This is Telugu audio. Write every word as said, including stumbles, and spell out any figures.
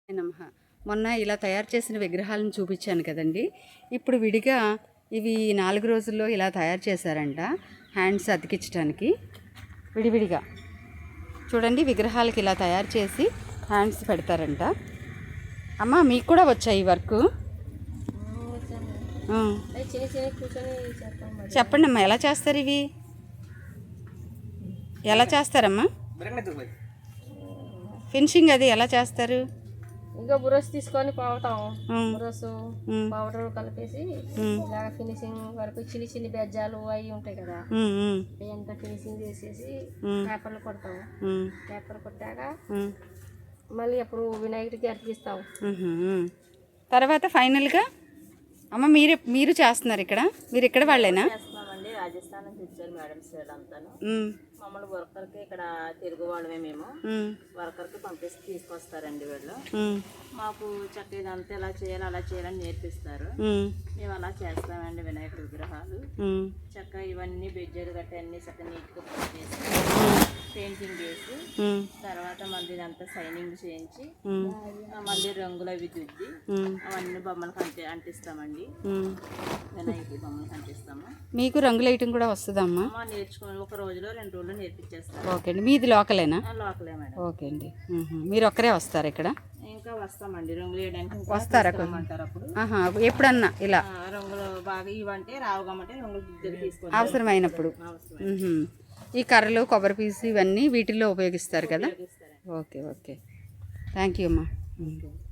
నమః. మొన్న ఇలా తయారు చేసిన విగ్రహాలను చూపించాను కదండి. ఇప్పుడు విడిగా ఇవి నాలుగు రోజుల్లో ఇలా తయారు చేశారంట హ్యాండ్స్ అతికించడానికి. విడివిడిగా చూడండి, విగ్రహాలకి ఇలా తయారు చేసి హ్యాండ్స్ పెడతారంట. అమ్మ, మీకు కూడా వచ్చాయి ఈ వర్క్? చెప్పండి అమ్మా, ఎలా చేస్తారు ఇవి? ఎలా చేస్తారమ్మా ఫినిషింగ్? అది ఎలా చేస్తారు? ఇంకా బురస్ తీసుకొని పోవటం, బురస్ పౌడర్ కలిపేసి ఇలాగ ఫినిషింగ్ వరకు చిన్ని చిన్ని బెజ్జాలు అవి ఉంటాయి కదా, అంత ఫినిషింగ్ చేసేసి పేపర్లు కొడతాం. పేపర్ కొట్టాక మళ్ళీ అప్పుడు వినాయకుడికి అతికిస్తాం. తర్వాత ఫైనల్గా అమ్మ మీరు మీరు చేస్తున్నారు ఇక్కడ? మీరు ఇక్కడ వాళ్ళేనా? చేస్తున్నామండి, రాజస్థాన్ నుంచి వచ్చారు మేడమ్స్ వీళ్ళంతాను. మమ్మల్ని వర్కర్కి ఇక్కడ తెలుగు వాళ్ళమే మేము వర్కర్కి పంపిస్తే తీసుకొస్తారండి వీళ్ళు. మాకు చక్క ఇదంతా ఎలా చేయాలి అలా చేయాలని నేర్పిస్తారు. మేము అలా చేస్తామండి వినాయకుడి విగ్రహాలు. చక్క ఇవన్నీ బెజ్జలు గట్ట అన్ని చక్క నీట్గా చేసి పెయింటింగ్ చేసి తర్వాత మళ్ళీ ఇదంతా సైనింగ్ చేయించి మళ్ళీ రంగులు అవి దిద్ది అవన్నీ బొమ్మలకు అంటి అంటిస్తామండి. వినాయకుడి బొమ్మలకు అంటిస్తాము. మీకు రంగులు వేయటం కూడా వస్తుందమ్మా? నేర్చుకుని ఒక రోజులో రెండు రోజులు నేర్పించేస్తాం. ఓకే అండి. మీది లోకలేనా? లోకలే మేడం. ఓకే అండి. మీరు ఒక్కరే వస్తారు ఇక్కడ? ఇంకా వస్తామండి, రంగులు వేయడానికి వస్తారా? అప్పుడు ఎప్పుడన్నా ఇలా రంగులు బాగా ఇవంటే రావుగమంటే రంగులు దిద్దలు తీసుకొని అవసరమైనప్పుడు ఈ కర్రలు, కొబ్బరి పీసు ఇవన్నీ వీటిల్లో ఉపయోగిస్తారు కదా? Okay okay. థ్యాంక్ యూ అమ్మా.